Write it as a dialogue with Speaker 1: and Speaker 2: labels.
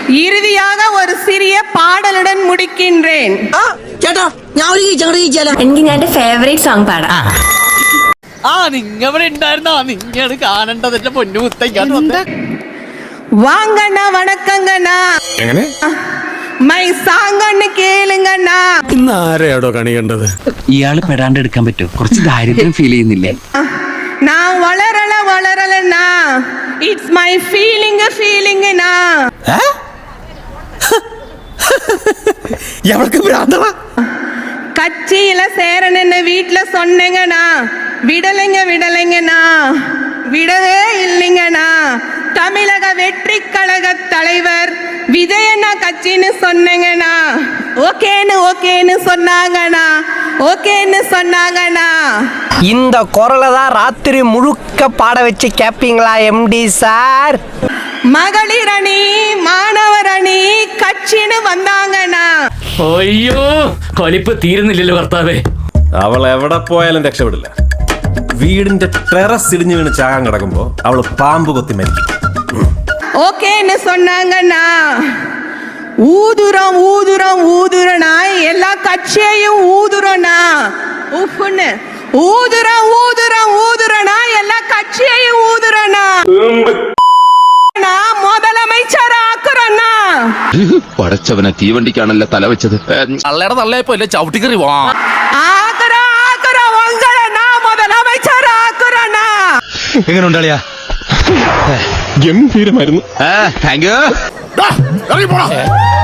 Speaker 1: இறுதியாக ஒரு சிறிய பாடலுடன் முடிக்கின்றேன்.
Speaker 2: എനിക്ക് ഞാൻ എന്റെ ഫേവറേറ്റ് സോങ് പാടാം.
Speaker 3: നിങ്ങവിടെ ഉണ്ടായിരുന്നോ? നിങ്ങ കാണേണ്ടത് എന്റെ പൊന്നു മുത്തയ്ക്കാണ്.
Speaker 1: வாங்கண்ணா வணக்கங்கண்ணா.
Speaker 4: എങ്ങനെ
Speaker 1: മൈ സാങ്ങണ്ണ് കേളുങ്ങണ്ണാ.
Speaker 4: ഇന്ന് ആരെയാടോ കണി കണ്ടത്?
Speaker 5: ഇയാള് പെടാണ്ട് എടുക്കാൻ പറ്റുമോ? കുറച്ച് ദാരിദ്ര്യം ഫീൽ ചെയ്യുന്നില്ലേ?
Speaker 1: நான் വളരലണ്ണா. It's my ഫീലിംഗ്നാ.
Speaker 4: എവൾക്ക് ഭ്രാന്തമാ?
Speaker 1: கட்சியில சேரணுன்னு வீட்டுல சொன்னீங்கண்ணா, விடலைங்கண்ணா, விடவே இல்லைங்கண்ணா. தமிழக வெற்றி கழக தலைவர் விஜயண்ணா கட்சின்னு சொன்னீங்கண்ணா, ஓகேன்னு சொன்னாங்கண்ணா.
Speaker 6: இந்த குரலை தான் ராத்திரி முழுக்க பாட வச்சு கேப்பீங்களா எம்டி சார்?
Speaker 1: மகளிர் அணி, மாணவர் அணி கட்சின்னு வந்தாங்கண்ணா.
Speaker 7: അയ്യോ കൊലിപ്പ് തീരുന്നില്ലല്ലോ കർത്താവേ.
Speaker 4: അവൾ എവിടെ പോയാലും രക്ഷപ്പെടില്ല. വീടിന്റെ ടെറസ് ഇടിഞ്ഞു വീണ് ചാകാൻ കിടക്കുമ്പോ അവള് പാമ്പ് കൊത്തി മരിക്കും.
Speaker 1: ஓகேன்னு சொன்னாங்கண்ணா. ஊதுறனா எல்லா கட்சியையும் ஊதுறனா. உப்புன்னு ஊதுறனா எல்லா கட்சியையும் ஊதுறனா. முதலமைச்சர் ஆக்குறனா.
Speaker 8: പടച്ചവനെ തീവണ്ടിക്കാണല്ലോ തല വെച്ചത്.
Speaker 3: തള്ളയുടെ തള്ളയപ്പോ അല്ലേ ചവിട്ടിക്കറി വാ.
Speaker 1: ஆக்குற உங்களை நான் முதலமைச்சர் ஆக்குறனா.
Speaker 8: എങ്ങനെ ഉണ്ടാളിയാ?
Speaker 4: ഗംഭീരമായിരുന്നു.
Speaker 8: Thank you.